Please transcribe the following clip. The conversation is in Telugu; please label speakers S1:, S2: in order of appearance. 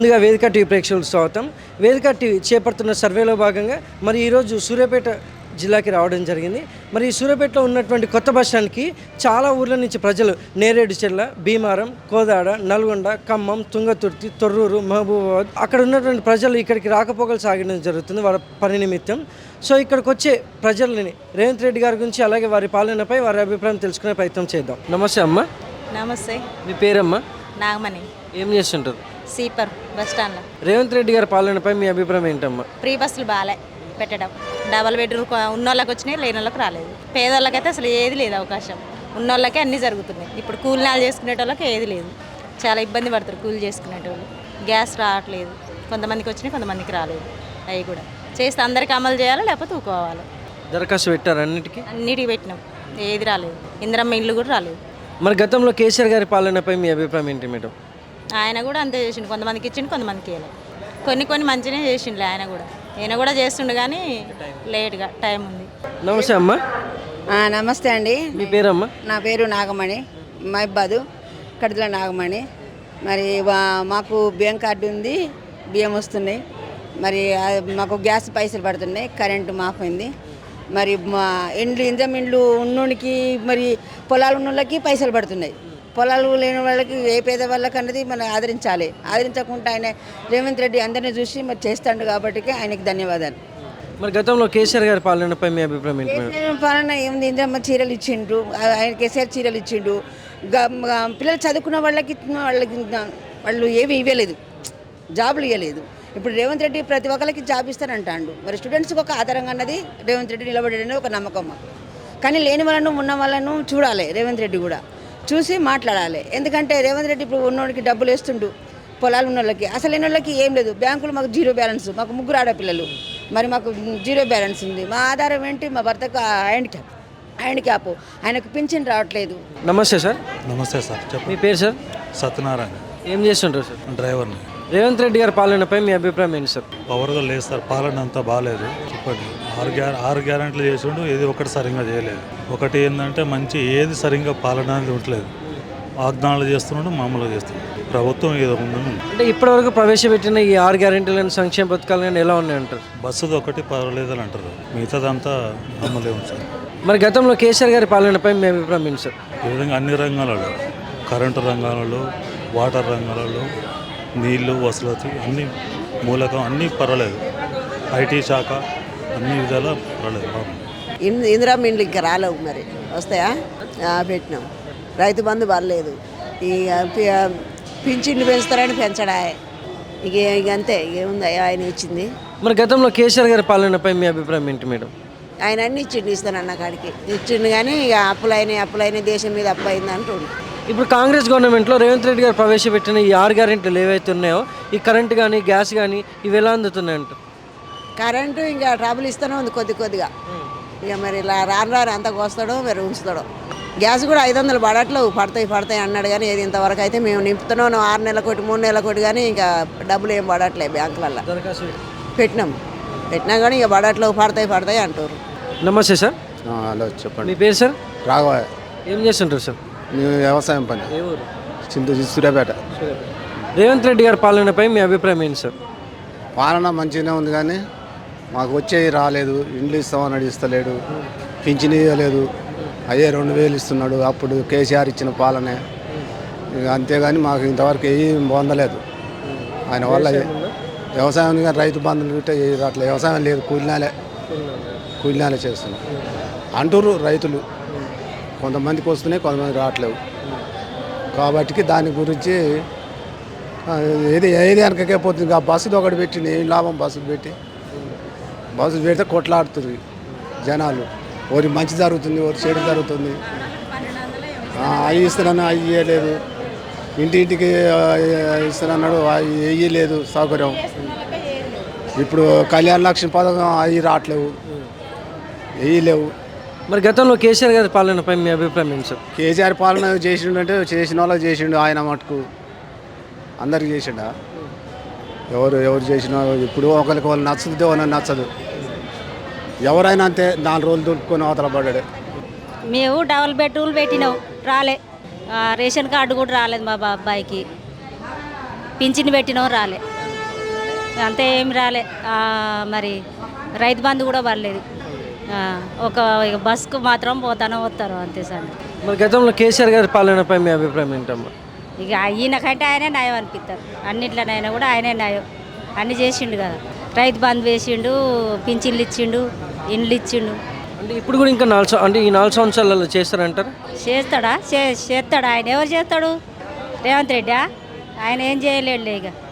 S1: ముందుగా వేదిక టీవీ ప్రేక్షకులకు స్వాగతం. వేదిక టీవీ చేపడుతున్న సర్వేలో భాగంగా మరి ఈరోజు సూర్యాపేట జిల్లాకి రావడం జరిగింది. మరి ఈ సూర్యాపేటలో ఉన్నటువంటి కొత్త బస్ స్టాండ్కి చాలా ఊర్ల నుంచి ప్రజలు నేరేడుచెర్ల, భీమారం, కోదాడ, నల్గొండ, ఖమ్మం, తుంగతుర్తి, తొర్రూరు, మహబూబాబాద్ అక్కడ ఉన్నటువంటి ప్రజలు ఇక్కడికి రాకపోకలు సాగడం జరుగుతుంది వాళ్ళ పని నిమిత్తం. సో ఇక్కడికి వచ్చే ప్రజలని రేవంత్ రెడ్డి గారి గురించి అలాగే వారి పాలనపై వారి అభిప్రాయం తెలుసుకునే ప్రయత్నం చేద్దాం. నమస్తే అమ్మ.
S2: నమస్తే.
S1: మీ పేరమ్మా?
S2: నాగమణి.
S1: ఏం చేస్తుంటారు?
S2: సీపర్ బస్ స్టాండ్లో.
S1: రేవంత్ రెడ్డి గారి పాలనపై మీ అభిప్రాయం ఏంటమ్మా?
S2: ఫ్రీ బస్సులు బాగాలే పెట్టడం. డబల్ బెడ్రూమ్ ఉన్న వాళ్ళకి వచ్చినాయి, లేని వాళ్ళకి రాలేదు. పేదవాళ్ళకైతే అసలు ఏది లేదు అవకాశం. ఉన్న వాళ్ళకే అన్నీ జరుగుతున్నాయి. ఇప్పుడు కూలినాలు చేసుకునేటోళ్ళకి ఏది లేదు. చాలా ఇబ్బంది పడతారు కూలి చేసుకునేటోళ్ళు. గ్యాస్ రావట్లేదు, కొంతమందికి వచ్చినాయి, కొంతమందికి రాలేదు. అవి కూడా చేస్తే అందరికీ అమలు చేయాలి, లేకపోతే ఊకోవాలి.
S1: దరఖాస్తు పెట్టారు
S2: అన్నిటికీ పెట్టినాం, ఏది రాలేదు. ఇందిరమ్మ ఇల్లు కూడా రాలేదు.
S1: మరి గతంలో కేసీఆర్ గారి పాలనపై మీ అభిప్రాయం ఏంటి మేడం?
S2: ఆయన కూడా అంతే చేసిండు, కొంతమందికి ఇచ్చిండు, కొంతమందికి ఇవ్వలేదు. కొన్ని మంచిగా చేసిండు ఆయన కూడా చేస్తుండు, కానీ లేట్గా టైం ఉంది.
S1: నమస్తే అమ్మా.
S3: నమస్తే అండి.
S1: మీ పేరమ్మా?
S3: నా పేరు నాగమణి, మైబాదు కడిదల నాగమణి. మరి మాకు బ్యాంక్ కార్డు ఉంది, బియ్యం వస్తున్నాయి. మరి మాకు గ్యాస్ పైసలు పడుతున్నాయి, కరెంటు మాఫ్ అయింది. మరి మా ఇంద్రం ఇండ్లు ఉన్నోనికి మరి పొలాలు ఉన్న వాళ్ళకి పైసలు పడుతున్నాయి. పొలాలు లేని వాళ్ళకి ఏ పేద వాళ్ళకి అన్నది మనం ఆదరించకుండా ఆయన రేవంత్ రెడ్డి అందరినీ చూసి మరి చేస్తాడు కాబట్టి ఆయనకి ధన్యవాదాలు.
S1: మరి గతంలో కేసీఆర్ గారి పాలనపై మీ అభిప్రాయం ఏంటి?
S3: కేసీఆర్ పాలన ఏముంది, ఇంద్రమ్మ చీరలు ఇచ్చిండు, ఆయన కేసీఆర్ చీరలు ఇచ్చిండు. పిల్లలు చదువుకున్న వాళ్ళకి వాళ్ళు ఏమి ఇవ్వలేదు, జాబులు ఇవ్వలేదు. ఇప్పుడు రేవంత్ రెడ్డి ప్రతి ఒక్కరికి జాబ్ ఇస్తానంటాడు. మరి స్టూడెంట్స్కి ఒక ఆధారంగా అన్నది రేవంత్ రెడ్డి నిలబడేది ఒక నమ్మకం మాకు. కానీ లేని వాళ్ళను ఉన్న వాళ్ళను చూడాలి, రేవంత్ రెడ్డి కూడా చూసి మాట్లాడాలి. ఎందుకంటే రేవంత్ రెడ్డి ఇప్పుడు ఉన్నోడికి డబ్బులు వేస్తుండు, పొలాలు ఉన్న వాళ్ళకి. అసలు లేని వాళ్ళకి ఏం లేదు. బ్యాంకులు మాకు జీరో బ్యాలెన్స్, మాకు ముగ్గురు ఆడపిల్లలు, మరి మాకు జీరో బ్యాలెన్స్ ఉంది. మా ఆధారం ఏంటి? మా భర్తకు హ్యాండిక్యాప్, ఆయనకు పింఛన్ రావట్లేదు.
S1: నమస్తే సార్.
S4: నమస్తే సార్.
S1: మీ పేరు సార్?
S4: సత్యనారాయణ.
S1: ఏం చేస్తుంటారు సార్?
S4: డ్రైవర్ని.
S1: రేవంత్ రెడ్డి గారి పాలనపై మీ అభిప్రాయం ఏంటి సార్?
S4: పవర్గా లేదు సార్, పాలన అంతా బాగాలేదు. చెప్పండి. ఆరు గ్యారెంట్లు చేసిండు, ఏది ఒకటి సరిగ్గా చేయలేదు. ఒకటి ఏంటంటే మంచి ఏది సరిగ్గా పాలన అనేది ఉండలేదు. వాగ్దానాలు చేస్తున్నాడు, మామూలుగా చేస్తున్నాడు. ప్రభుత్వం ఏదో ఉందని.
S1: అంటే ఇప్పటివరకు ప్రవేశపెట్టిన ఈ 6 గ్యారెంటీలను, సంక్షేమ పథకాలు కానీ ఎలా ఉన్నాయంటారు?
S4: బస్సుది ఒకటి పర్వాలేదని అంటారు, మిగతాదంతా అమలే ఉంది సార్.
S1: మరి గతంలో కేసీఆర్ గారి పాలనపై మీ అభిప్రాయం ఏంటి సార్?
S4: ఈ విధంగా అన్ని రంగాలలో, కరెంటు రంగాలలో, వాటర్ రంగాలలో, నీళ్ళు వసతి అన్ని మూలకం అన్నీ పర్వాలేదు. ఐటీ శాఖ అన్ని విధాలా పర్వాలేదు.
S3: ఇందిరమ్మ ఇండ్లు ఇంకా రాలేవు, మరి వస్తాయా? పెట్టినాం. రైతు బంధు పర్లేదు. ఈ పింఛన్లు పెంచుతారని పెంచడా, ఇక అంతే. ఏముంది, ఆయన ఇచ్చింది.
S1: మరి గతంలో కేసీఆర్ గారి పాలనపై మీ అభిప్రాయం ఏంటి మేడం?
S3: ఆయన అన్ని ఇచ్చిండు, ఇస్తానన్న కాడికి ఇచ్చిండు. కానీ ఇక అప్పులైన దేశం మీద అప్పు అయింది అంటుండు.
S1: ఇప్పుడు కాంగ్రెస్ గవర్నమెంట్లో రేవంత్ రెడ్డి గారు ప్రవేశపెట్టిన ఈ 6 గ్యారెంటీలు ఏవైతే ఉన్నాయో, ఈ కరెంటు కానీ గ్యాస్ కానీ ఇవి ఎలా అందుతున్నాయంట?
S3: కరెంటు ఇంకా ట్రబుల్ ఇస్తూనే ఉంది కొద్దిగా. ఇక మరి ఇలా రాను అంత కోస్తాడో మరి ఉంచుతాడో. గ్యాస్ కూడా 500 పడతాయి అన్నాడు. కానీ ఏది ఇంతవరకు అయితే మేము నింపుతున్నాం 6 నెలల కోటి 3 నెలల కోటి. కానీ ఇంకా డబ్బులు ఏం పడట్లేదు బ్యాంకులలో. పెట్టినా కానీ ఇక పడతాయి అంటారు.
S1: నమస్తే సార్.
S5: హలో, చెప్పండి.
S1: మీ పేరు సార్?
S5: రాఘవ.
S1: ఏం చేస్తుంటారు సార్?
S5: మేము వ్యవసాయం పని. సూర్యాపేట.
S1: రేవంత్ రెడ్డి గారి పాలనపై మీ అభిప్రాయం ఏంటి సార్?
S5: పాలన మంచిగానే ఉంది, కానీ మాకు వచ్చేవి రాలేదు. ఇండ్లు ఇస్తామన్నాడు, ఇస్తలేడు. పింఛన్ ఇవ్వలేదు, అయ్యే 2000 ఇస్తున్నాడు. అప్పుడు కేసీఆర్ ఇచ్చిన పాలనే. ఇక అంతేగాని మాకు ఇంతవరకు ఏం పొందలేదు ఆయన వల్ల. వ్యవసాయం కానీ రైతు బంధువులు గిట్ట రావట్లేదు. వ్యవసాయం లేదు, కూలినాలే చేస్తున్నాం అంటారు రైతులు. కొంతమందికి వస్తున్నాయి, కొంతమంది రావట్లేవు. కాబట్టి దాని గురించి ఏది వెనకకే పోతుంది. ఆ బస్సుది ఒకటి పెట్టింది, ఏం లాభం? బస్సు పెడితే కొట్లాడుతుంది జనాలు. ఒకటి మంచి జరుగుతుంది, ఒకటి చెడు జరుగుతుంది. అవి ఇస్తున్నాను, అవి ఇవ్వలేదు. ఇంటికి ఇస్తున్నాడు, అవి వేయలేదు సౌకర్యం. ఇప్పుడు కళ్యాణ లక్ష్మి పథకం అవి రావట్లేవు, వేయలేవు.
S1: మరి గతంలో కేసీఆర్ గారి పాలనపై మీ అభిప్రాయం ఏంటి సార్?
S5: కేసీఆర్ పాలన చేసిండు అంటే చేసిన వాళ్ళకి చేసిండు. ఆయన మటుకు అందరికి చేసిండా? ఎవరు చేసినా ఇప్పుడు ఒకరికి వాళ్ళు నచ్చుతుంటే వాళ్ళని నచ్చదు. ఎవరైనా అంతే, 4 రోజులు దుట్టుకొని అవతల పడ్డాడు.
S2: మేము డబల్ బెడ్రూమ్లు పెట్టినాం, రాలే. రేషన్ కార్డు కూడా రాలేదు మా అబ్బాయికి. పింఛన్ పెట్టినాం, రాలే.
S6: అంతే ఏం రాలే మరి రైతు బంధు కూడా పడలేదు ఒక ఇక బస్కు మాత్రం పోతానో వస్తారు అంతే సార్.
S1: మరి గతంలో కేసీఆర్ గారి పాలనపై మీ అభిప్రాయం ఏంటమ్మా?
S6: ఇక ఈయనకంటే ఆయనే న్యాయం అనిపిస్తారు, అన్నిట్లోనైనా కూడా ఆయనే న్యాయం, అన్నీ చేసిండు కదా. రైతు బంధు వేసిండు, పింఛన్లు ఇచ్చిండు, ఇండ్లు ఇచ్చిండు.
S1: అంటే ఇప్పుడు కూడా ఇంకా 4 అంటే ఈ 4 సంవత్సరాలలో చేస్తారంటారు?
S6: చేస్తాడా? చేస్తాడు. ఆయన ఎవరు చేస్తాడు? రేవంత్ రెడ్డి ఆయన ఏం చేయలేడులే ఇక.